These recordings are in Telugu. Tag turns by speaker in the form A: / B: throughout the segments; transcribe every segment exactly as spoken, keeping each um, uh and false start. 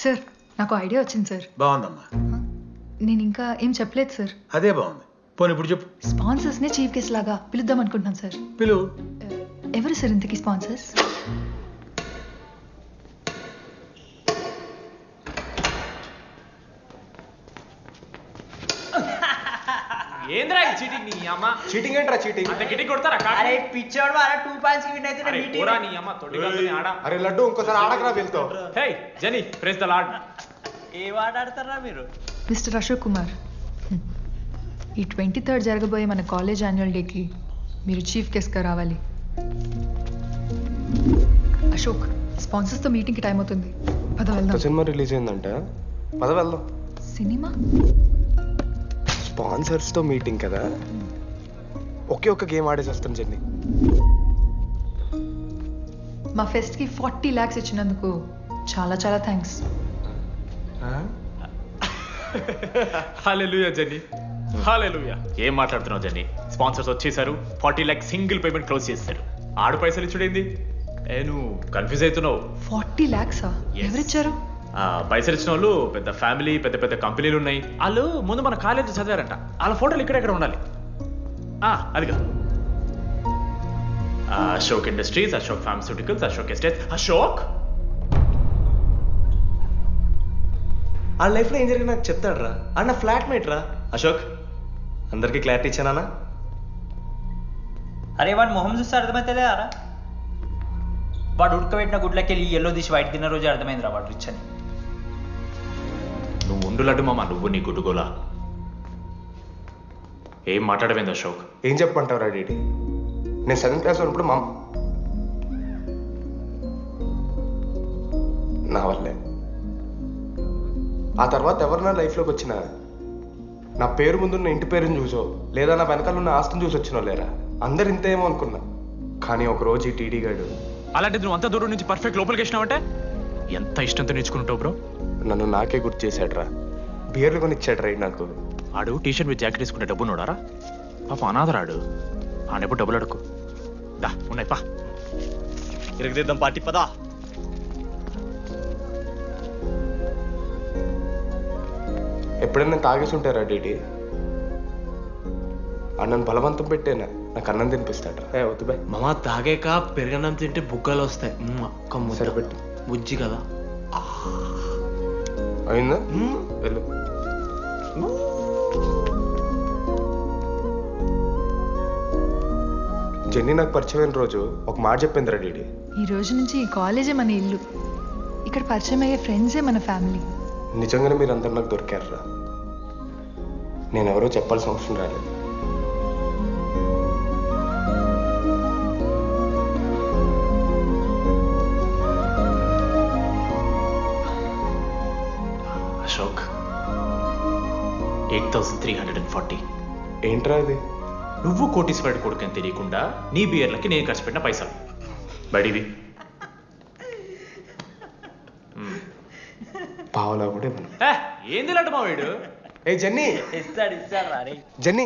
A: సార్ నాకు ఐడియా వచ్చింది సార్.
B: బాగుందమ్మా.
A: నేను ఇంకా ఏం చెప్పలేదు సార్.
B: అదే బాగుంది. పోనీ ఇప్పుడు చెప్పు.
A: స్పాన్సర్స్ నే చీఫ్ గెస్ట్ లాగా పిలుద్దాం అనుకుంటున్నాను సార్.
B: పిలువు.
A: ఎవరు సార్ ఇంతకీ స్పాన్సర్స్?
C: ఏంద్రా ఈ చీటింగ్ నీ అమ్మ?
D: చీటింగ్ ఏంట్రా చీటింగ్?
C: అంత గిటి కొడతారా?
E: అరే పిచ్చోడు అలా టూ పాయింట్స్ విన్ అయితే
C: అరే పోరా నీ అమ్మ తొడిగల్ని ఆడ.
D: అరే లడ్డు ఇంకోసారి ఆడకరా వెళ్తావు.
C: Hey Jenny praise the Lord.
E: ఏ ఆట ఆడతారా మీరు?
A: మిస్టర్ అశోక్ కుమార్, ఈ ట్వంటీ థర్డ్ జరగబోయే మన కాలేజ్ యాన్యువల్ డేకి మీరు చీఫ్ గెస్ట్గా రావాలి. అశోక్, స్పాన్సర్స్తో మీటింగ్కి టైం అవుతుంది. పద వెళ్దాం.
D: సినిమా రిలీజ్ అయిందంట, పద వెళ్దాం.
A: సినిమా?
D: స్పాన్సర్స్తో మీటింగ్ కదా, ఒకే ఒక్క గేమ్ ఆడేసి వస్తాం జెన్నీ.
A: మా ఫెస్ట్కి ఫార్టీ ల్యాక్స్ ఇచ్చినందుకు చాలా చాలా థ్యాంక్స్.
C: హల్లెలూయా జెన్నీ, హల్లెలూయా. ఏం మాట్లాడుతున్నావు జెన్నీ? స్పాన్సర్స్ వచ్చేసారు, forty lakh single payment close చేస్తారు. ఆడు పైసలు ఇచ్చుడేంది? ఏ నువ్వు కన్ఫ్యూజ్ అవుతున్నావు.
A: ఫార్టీ ల్యాక్సా? ఎవరిచ్చారు?
C: పైసలు ఇచ్చిన వాళ్ళు పెద్ద ఫ్యామిలీ, పెద్ద పెద్ద కంపెనీలు ఉన్నాయి. వాళ్ళు ముందు మన కాలేజ్ చదివారంట. వాళ్ళ ఫోటోలు ఇక్కడెక్కడ ఉండాలి. అదిగా Ashok industries, Ashok pharmaceuticals, Ashok estate. Ashok
F: ఆ లైఫ్లో ఏం జరిగింది నాకు చెప్తాడు రా. అన్న ఫ్లాట్ మేట్ రా అశోక్. అందరికీ క్లారిటీ ఇచ్చానా?
E: అరే వాడు మొహం చూస్తే అర్థమైతే రా. వాడు ఉడకబెట్టిన గుడ్లకి వెళ్ళి ఎల్లో తీసి వైట్ తిన్న రోజు అర్థమైంది రా వాడు రిచ్ అని.
C: నువ్వు ఉండులడ్డు మామ, నువ్వు నీ గుడ్డుగోలా. ఏం మాట్లాడవేంది అశోక్?
D: ఏం చెప్పమంటావు రా డీడీ? నేను సెవెంత్ క్లాస్ ఉన్నప్పుడు మా నా వల్లే. ఆ తర్వాత ఎవరు నా లైఫ్లోకి వచ్చినా నా పేరు ముందున్న ఇంటి పేరుని చూసో లేదా నా వెనకాల ఉన్న ఆస్తిని చూసి వచ్చినో లేరా, అందరు ఇంతేమో అనుకున్నా. కానీ ఒకరోజు ఈ టీడీ గాడు
C: అలాంటిది నువ్వు అంత దూరం నుంచి పర్ఫెక్ట్ లోపలికి వేసినావంటే ఎంత ఇష్టంతో నేర్చుకుంటావు బ్రో.
D: నన్ను నాకే గుర్తు చేశాడు రా. బియర్లు కొని ఇచ్చాడు రా నాకు.
C: ఆడు టీషర్ట్ మీద జాకెట్ వేసుకుంటే డబ్బు నోడారా? పాప అనాథరాడు. ఆడెప్పుడు డబ్బులు అడుకు. దా ఉన్నాయి పా,
F: ఇరగదిద్దాం పార్టీ పదా.
D: ఎప్పుడైనా తాగేసి ఉంటారా డీడీ? అన్నను బలవంతం పెట్టేనా నాకు అన్నం తినిపిస్తాడు. ఏ వద్దు బాయ్
F: మామ, తాగాక పెరగన్నం తింటే బుగ్గలు వస్తాయి.
D: సరిపెట్టు.
F: బుజ్జి కదా.
D: అయిందా? వెళ్ళు. జెన్నీ నాకు పరిచయమైన రోజు ఒక మాట చెప్పిందిరా డీడీ.
A: ఈ రోజు నుంచి ఈ కాలేజే మన ఇల్లు, ఇక్కడ పరిచయం అయ్యే ఫ్రెండ్సే మన ఫ్యామిలీ.
D: నిజంగానే మీరు అందరు నాకు దొరికారురా. నేను ఎవరో చెప్పాల్సిన అవసరం రాలేదు.
C: Ashok, eight thousand three hundred and forty.
D: ఏంట్రా ఇది?
C: నువ్వు కోటీశ్వరుడి కొడుకు అని తెలియకుండా నీ బియర్లకి నేను ఖర్చు పెట్టిన పైసలు బడివి.
D: పావలా కూడా ఇవ్వను.
C: ఏంది లాంటి మా వీడు?
D: ఏ జెన్నీ,
E: ఇస్తాడు ఇస్తాడు రా. రే
D: జెన్నీ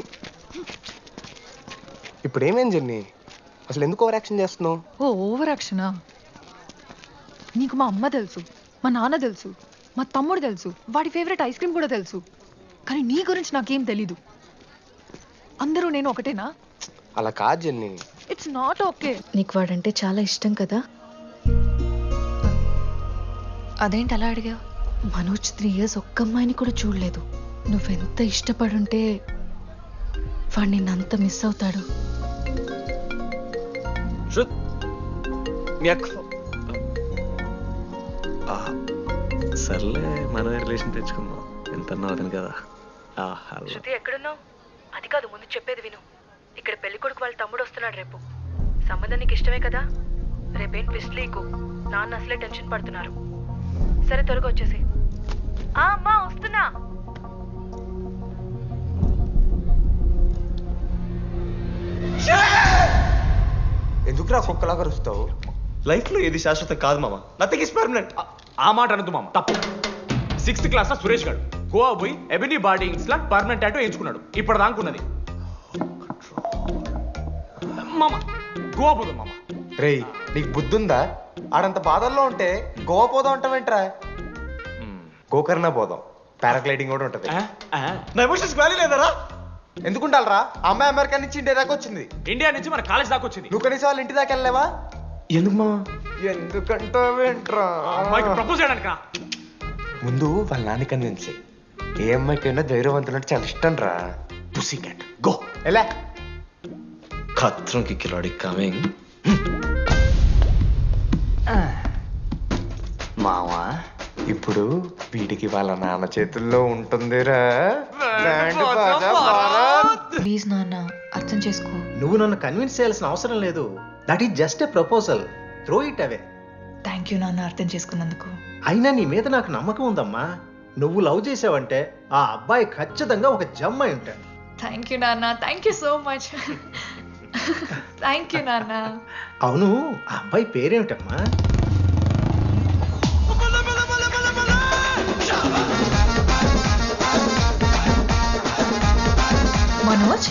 D: ఇప్పుడు ఏమేం జెన్నీ? అసలు ఎందుకు ఓవర్ యాక్షన్ చేస్తున్నావు?
A: ఓ ఓవర్ యాక్షనా? నీకు మా అమ్మ తెలుసు, మా నాన్న తెలుసు, మా తమ్ముడు తెలుసు, వాడి ఫేవరెట్ ఐస్ క్రీమ్ కూడా తెలుసు. కానీ నీ గురించి నాకేం తెలీదు. అందరూ నేను ఒకటేనా?
D: అలా కాదు జెన్నీ.
A: It's not okay.
G: నీకు వాడంటే చాలా ఇష్టం కదా?
A: అదేంటి అలా అడిగావు?
G: మనోజ్ త్రీ ఇయర్స్ ఒక్క అమ్మాయిని కూడా చూడలేదు. నువ్వెంత ఇష్టపడుంటే వాడు నిన్నంత మిస్ అవుతాడు.
F: సర్లే, మనమే రిలేషన్ తెచ్చుకుందాం. ఎంత అతను కదా.
G: శృతి ఎక్కడున్నావు? అది కాదు, ముందు చెప్పేది విను. ఇక్కడ పెళ్లి కొడుకు వాళ్ళ తమ్ముడు వస్తున్నాడు రేపు. సంబంధం నీకు ఇష్టమే కదా? రేపేం ట్విస్ట్ లీకు. నాన్న అసలే టెన్షన్ పడుతున్నారు. సరే త్వరగా వచ్చేసి. అమ్మా వస్తున్నా.
D: ఎందుకురా కుక్కలాగా రుస్తావు?
F: లైఫ్ లో ఏది శాశ్వతం కాదు మామ. Nothing is permanent.
C: ఆ మాట అనదు మామ, తప్పు. సిక్స్త్ క్లాస్ లో సురేష్ గారు గోవా పోయి ఎబినీ బార్డింగ్స్ లా పర్మనెంట్ టాటూ ఎంచుకున్నాడు. ఇప్పుడు దానుకున్నది మామ. గోవా పోదాం మామ.
D: రేయ్, నీకు బుద్ధుందా? ఆడంత బాధల్లో ఉంటే గోవా పోదాం అంటావేంట్రా? గోకర్ణ పోదాం, పారాగ్లైడింగ్ కూడా ఉంటుంది.
F: నా ఎమోషన్స్ వాల్యూ లేదరా?
D: ఎందుకుంటారా? అమ్మాయి అమెరికా నుంచి ఇండియా దాకా వచ్చింది.
C: ఇండియా నుంచి మన కాలేజ్ దాకా వచ్చింది.
D: నువ్వు కనీసం వాళ్ళ ఇంటి దాకా వెళ్ళలేవా?
F: ఎందుకు మామ?
D: ఎందుకంటావేంట్రా?
C: అమ్మాయికి ప్రపోజ్ చేయడానికి
D: ముందు వాళ్ళ నాన్న కన్విన్స్. ఏ అమ్మాయికైనా ధైర్యవంతులంటే చాలా ఇష్టం రా.
F: Pussy cat go.
D: ఎలా
F: ఖత్రం కి కిలాడి కమింగ్.
D: మావా ఇప్పుడు వీడికి వాళ్ళ నాన్న చేతుల్లో ఉంటుందిరా.
A: ప్లీజ్ నాన్న అర్థం చేసుకో.
B: నువ్వు నన్ను కన్విన్స్ చేయాల్సిన అవసరం లేదు. That is just a proposal. Throw it away.
A: Thank you నాన్న అర్థం చేసుకున్నందుకు.
B: అయినా నీ మీద నాకు నమ్మకం ఉందమ్మా. నువ్వు లవ్ చేసావంటే ఆ అబ్బాయి ఖచ్చితంగా ఒక జమ్మాయి ఉంటాడు.
A: థ్యాంక్ యూ నాన్న, thank you so much. Thank you నాన్న.
B: అవును, ఆ అబ్బాయి పేరేమిటమ్మా?
A: మనోజ్.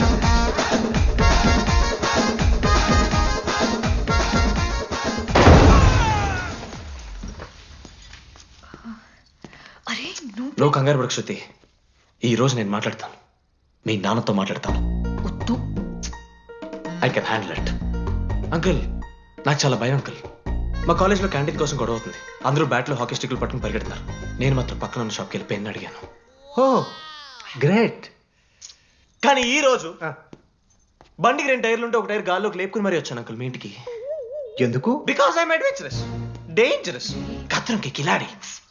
A: అరే నువ్వు
F: నువ్వు కంగారు పడకు శృతి. ఈ రోజు నేను మాట్లాడతాను, మీ నాన్నతో మాట్లాడతాను.
A: వద్దు.
F: I can handle it. Uncle నాకు చాలా భయం అంకుల్. మా కాలేజ్లో క్యాంటీన్ కోసం గొడవ అవుతుంది. అందరూ బ్యాట్లో హాకీ స్టిక్లు పట్టుకుని పరిగెడతారు. నేను మాత్రం పక్కన ఉన్న షాప్కి వెళ్ళి పెన్ అడిగాను.
B: Oh great.
F: కానీ ఈ రోజు బండికి రెండు టైర్లు ఉంటే ఒక టైర్ గాల్లోకి లేపుకుని మరీ వచ్చాను అంకుల్ మీ ఇంటికి.
B: ఎందుకు?
F: బికాస్ ఐఎమ్ అడ్వెంచరస్, డేంజరస్, కత్రంకి కిలాడి.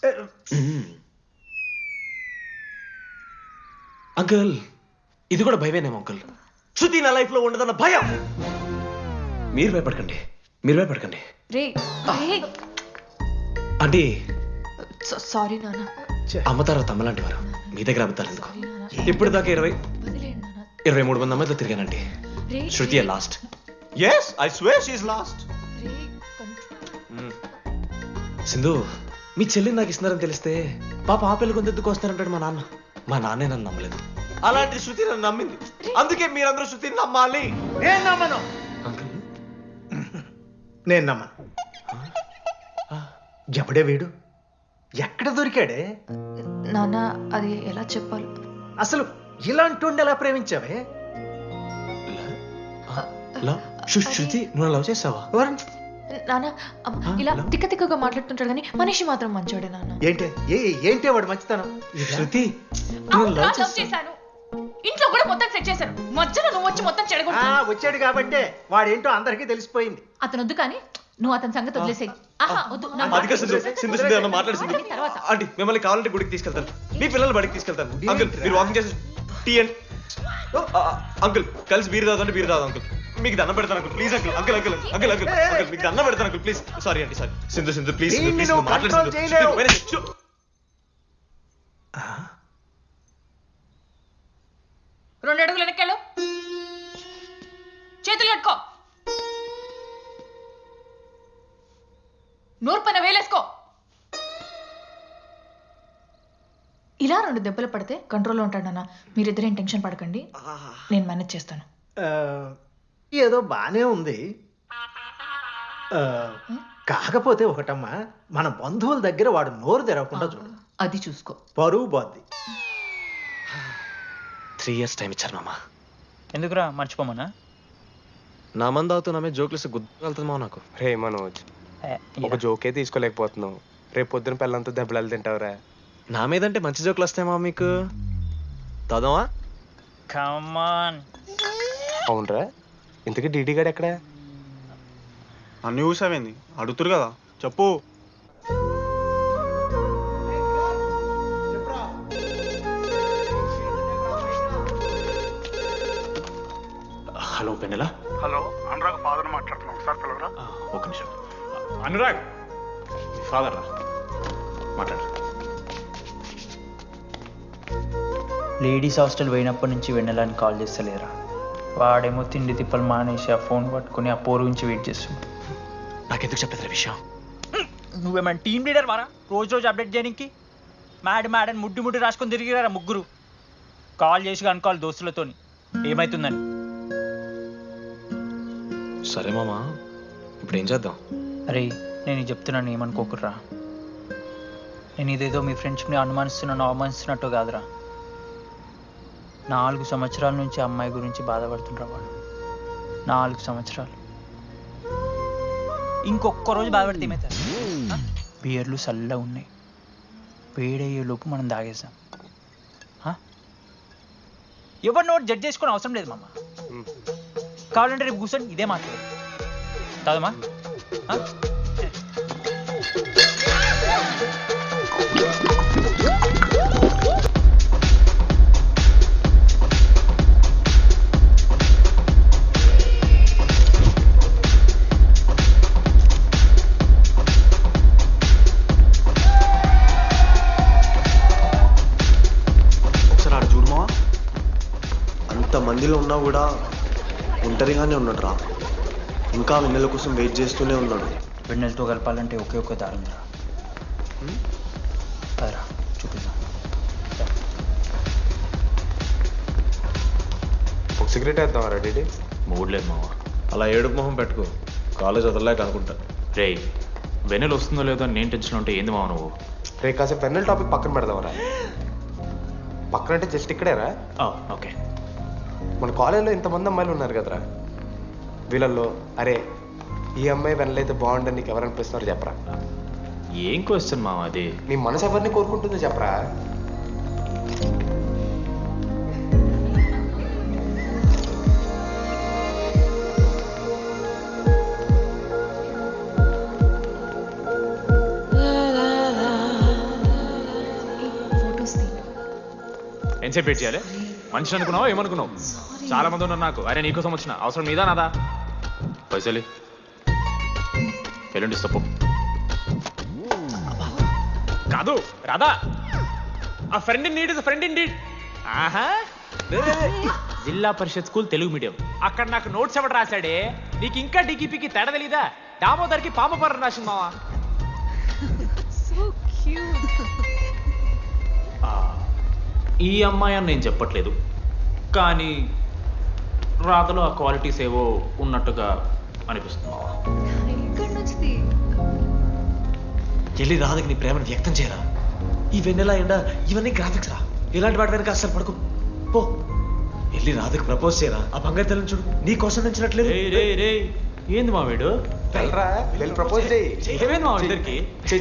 F: అంకుల్ ఇది కూడా భయమేనేమో అంకుల్. శృతి నా లైఫ్ లో ఉండదన్న భయం. మీరు భయపడకండి, మీరు భయపడకండి.
A: రే రే
F: అంటే
A: సారీ నాన్న.
F: అమ్మతారా తమ్మలాంటి వారు మీ దగ్గర అబద్ధాలు ఎందుకు?
A: సారీ నాన్న.
F: ఇప్పుడు దాకా ఇరవై
A: వదిలేయండి నాన్న.
F: ఇరవై మూడు మంది అమ్మాయితో తిరిగానండి.
A: రే
F: Shruti lost. Yes I swear she is lost.
A: రే కంట్రోల్.
F: సింధు మీ చెల్లిని నాకు ఇస్తున్నారని తెలిస్తే పాప ఆ పిల్ల కొంత ఎందుకు వస్తారంటాడు మా నాన్న. మా నాన్నే నన్ను నమ్మలేదు. అలాంటి శృతి నన్ను నమ్మింది. అందుకే మీరందరూ శృతిని నమ్మాలి.
B: నేను నమ్మను.
F: అంకుల్
B: నేను నమ్మను. ఎప్పుడే వీడు ఎక్కడ దొరికాడే?
A: నాన్న అది ఎలా చెప్పాలి?
B: అసలు ఇలాంటి ఎలా ప్రేమించావే?
F: లవ్? శృ- శృతి నువ్వు లవ్ చేసావా?
B: ఎవరు?
A: నాన్న అమ్మ, ఇలా తిక్క తిక్కగా మాట్లాడుతుంటాడు కానీ మనిషి మాత్రం మంచోడే నాన్న.
B: ఏంటి ఏ ఏంటి వాడు మంచితనం?
F: శృతి నువ్వు
A: అవును,
F: లవ్
A: లవ్
F: చేసావా?
A: చేశాను. ఇంట్లో కూడా మొత్తం సెట్ చేశాను. మధ్యలో నువ్వు వచ్చి మొత్తం
B: ఆ,
A: చెడగొట్టావు.
B: వచ్చాడు కాబట్టే వాడేంటో అందరికీ తెలిసిపోయింది.
A: అతను వద్దు కానీ నువ్వు అతని సంగతి వదిలేసేయి. ఆహా వద్దు. నా మాట
F: అదిగా సింధు
A: వదిలేసేయ్.
F: సింధు సింధు అన్న మాట్లాడుతుంది.
A: మాట్లాడి తర్వాత.
F: ఆంటీ మిమ్మల్ని కావాలంటే గుడికి తీసుకెళ్తాను, మీ పిల్లలు బడికి తీసుకెళ్తాను. అంకుల్ మీరు వాకింగ్ చేసి టీ అండ్ అంకుల్ కలిసి బీర్ తాగుతుంటే బీర్ తాగు అంకుల్. మీకు దండం పెడతాను uncle please uncle. Uncle uncle uncle uncle uncle మీకు దండం పెడతాను అంకుల్ ప్లీజ్. సారీ అండి సారీ. సింధు సింధు ప్లీజ్ సింధు
B: దీన్ని
F: ప్లీజ్
B: నువ్వు
F: మాట్లాడు
B: control
F: సింధు.
B: చేయలేవు.
F: సింధు, వెనక్కి. చూ.
B: ఆ,
A: రెండు అడుగులు వెనక్కెళ్ళు. చేతులు కట్టుకో. నూరు పైన వేలేసుకో. ఇలా రెండు దెబ్బలు పడితే కంట్రోల్లో ఉంటాడన్నా. మీరిద్దరేం టెన్షన్ పడకండి, నేను మేనేజ్ చేస్తాను.
B: ఆ, ఏదో బానే ఉంది. ఆ, కాకపోతే ఒకటమ్మా, మన బంధువుల దగ్గర వాడు నోరు తెరవకుండా చూడు.
A: అది చూసుకో.
B: పరువు బాద్ది.
F: త్రీ ఇయర్స్ టైం ఇచ్చారు మామ.
E: ఎందుకురా మర్చిపోమనా?
F: నా మంది అవుతూ నా మీద జోకులు ఇస్తే గుర్తుకెళ్తుంది మామ నాకు.
D: రే మనోజ్, ఒక జోకే తీసుకోలేకపోతున్నావు. రేపు పొద్దున పిల్లలతో దెబ్బలు తింటావురా.
F: నా మీద అంటే మంచి జోకులు వస్తాయి మామ మీకు. తాదామా?
E: కమాన్.
D: అవునరా, ఇంతకీ డీడీ గాడు ఎక్కడా?
H: అన్ని చూసావేంది? అడుగుతురు కదా, చెప్పు.
F: హలో పెన్నెలా.
H: హలో, అనురాగ్ ఫాదర్ మాట్లాడుతున్నాం, ఒకసారి పిలవరా.
F: ఒక నిమిషం.
C: అనురాగ్ ఫాదర్ రా మాట్లాడు.
E: లేడీస్ హాస్టల్ పోయినప్పటి నుంచి వెన్నెలని కాల్ చేస్తలేరా? వాడేమో తిండి తిప్పలు మానేసి ఆ ఫోన్ పట్టుకుని ఆ పోరు గురించి వెయిట్ చేస్తుంది.
F: నాకెందుకు చెప్పేది విషయం?
E: నువ్వేమైనా టీమ్ లీడర్ వారా రోజు రోజు అప్డేట్ చేయడానికి? మ్యాడ్ మ్యాడ్ అని ముడ్డి ముడ్డి రాసుకొని తిరిగిరారా ముగ్గురు. కాల్ చేసి కనుకోవాలి దోస్తులతోని ఏమవుతుందని.
F: సరే మామ, ఇప్పుడు ఏం చేద్దాం?
E: అరే నేను చెప్తున్నాను ఏమనుకోకుర్రా. నేను ఇదేదో మీ ఫ్రెండ్షిప్ని అనుమానిస్తున్నాను అవమానిస్తున్నట్టు కాదురా. నాలుగు సంవత్సరాల నుంచి అమ్మాయి గురించి బాధపడుతుండ్రా వాడు. నాలుగు సంవత్సరాలు. ఇంకొక్క రోజు బాధపడితే ఏమవుతారు? బియర్లు చల్లగా ఉన్నాయి, వేడయ్యే లోపు మనం తాగేసాం. ఎవరు నోట్ జడ్జ్ చేసుకుని అవసరం లేదు మామ. కావాలంటే రేపు కూర్చొని ఇదే మాట్లాడు కాదమ్మా.
I: మందిలో ఉన్నా కూడా ఒంటరిగానే ఉన్నాడు రా. ఇంకా వెన్నెల కోసం వెయిట్ చేస్తూనే ఉన్నాడు.
E: వెన్నెలతో కలపాలంటే ఒకే ఒక్క దారం రా. అదరా చూపిద్దాం.
D: ఒక సిగరెట్ వేద్దాం రా డీడీ.
C: మూడ్ లేదు మావా.
F: అలా ఏడుపు మొహం పెట్టుకో, కాలేజ్ వదలలేక అనుకుంటా.
C: రే వెన్నెల వస్తుందో లేదో అని నేను టెన్షన్ ఉంటే ఏంది మావ నువ్వు?
D: రే కాసేపు వెన్నెల టాపిక్ పక్కన పెడదాం రా. పక్కన అంటే జస్ట్ ఇక్కడేరా.
C: ఓకే.
D: మన కాలేజీలో ఇంతమంది అమ్మాయిలు ఉన్నారు కదరా, వీళ్ళల్లో అరే ఈ అమ్మాయి వెనలైతే బాగుండని నీకు ఎవరు అనిపిస్తున్నారు చెప్పరా?
C: ఏం క్వశ్చన్ మావా అది?
D: నీ మనసు ఎవరిని కోరుకుంటుందో చెప్పరా?
C: ఎంతసేపు వెయిట్ చేయాలి? మనిషి అనుకున్నావా ఏమనుకున్నావు? చాలా మంది ఉన్నారు నాకు. అరే నీకోసం వచ్చిన అవసరం మీదా నాదా? పైసలి ఎల్లుండి తప్పు కాదు రాదా. A friend in need is friend in need. ఆహా జిల్లా పరిషత్ స్కూల్ తెలుగు మీడియం. అక్కడ నాకు నోట్స్ ఎవడు రాశాడే? నీకు ఇంకా డీకీపీకి తేడా తెలీదా? దామోదర్కి పామపర్రం రాసింది మావా. ఈ అమ్మాయి అని నేను చెప్పట్లేదు, కానీ రాతలో ఆ క్వాలిటీస్ ఏవో ఉన్నట్టుగా అనిపిస్తుంది.
F: వెళ్ళి రాధకి నీ ప్రేమను వ్యక్తం చేయరా. ఈ వెన్నెలా ఎండ ఇవన్నీ గ్రాఫిక్స్ రా. ఇలాంటి వాటి వెనక అస్సలు పడుకో. పో వెళ్ళి రాధకి ప్రపోజ్ చేయరా. ఆ బంగారు తెల్లని చూడు నీ కోసం నచ్చినట్లేదు.
C: ఏంది మా వీడు?
D: ప్రపోజ్
C: ఏమైంది మా ఇద్దరికి?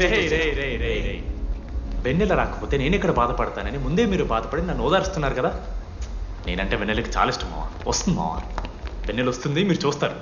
C: వెన్నెల రాకపోతే నేను ఇక్కడ బాధపడతానని ముందే మీరు బాధపడి నన్ను ఓదారుస్తున్నారు కదా. నేనంటే వెన్నెలకి చాలా ఇష్టం మావా. వస్తుంది మావా, వెన్నెల వస్తుంది, మీరు చూస్తారు.